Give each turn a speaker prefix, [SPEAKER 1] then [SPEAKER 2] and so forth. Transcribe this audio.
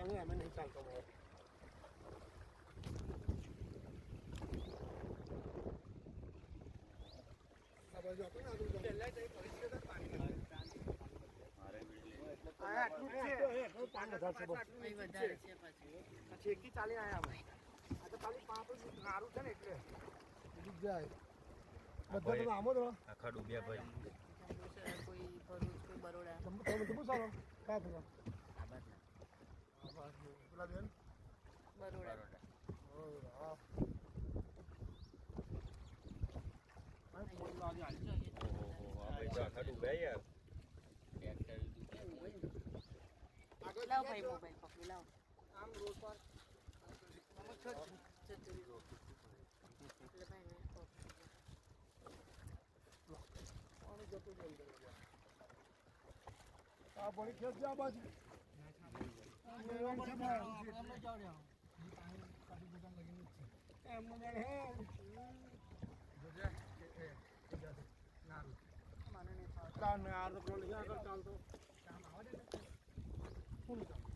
[SPEAKER 1] नहीं हमें नहीं चलता वो अब जो अपन आगे चलना चाहिए परिस्थिति तक पानी
[SPEAKER 2] મારે વીજળી
[SPEAKER 1] આયા આટલું છે 5000 છે બસ
[SPEAKER 3] અહીં વધારે છે પાછું
[SPEAKER 1] પછી એકી ચાલી આયા અમે આ તો ખાલી પાંચ નારું છે ને એટલે બીજ જાય બધા તો આમો તો
[SPEAKER 2] આખા ડૂબ્યા ભાઈ
[SPEAKER 3] જંબુસર કોઈ ભરૂચ કોઈ બરોડા
[SPEAKER 1] તમે સારો કા થયો
[SPEAKER 3] આ બાજુ
[SPEAKER 1] પેલા બેન
[SPEAKER 3] બરોડા
[SPEAKER 1] ઓ હા ભાઈ ફોન લાગી આવી
[SPEAKER 2] ઓહો આ ભાઈ તો આખા ડૂબ્યા યાર
[SPEAKER 3] લાવ ભાઈ મોબાઈલ પકડી લાવ
[SPEAKER 1] આમ રોડ પર
[SPEAKER 3] એટલે ભાઈ ને
[SPEAKER 1] પાણી જતું જ અંદર આ પાણી ખેંચ જા બાજુ ચાલતો કામ આવે ને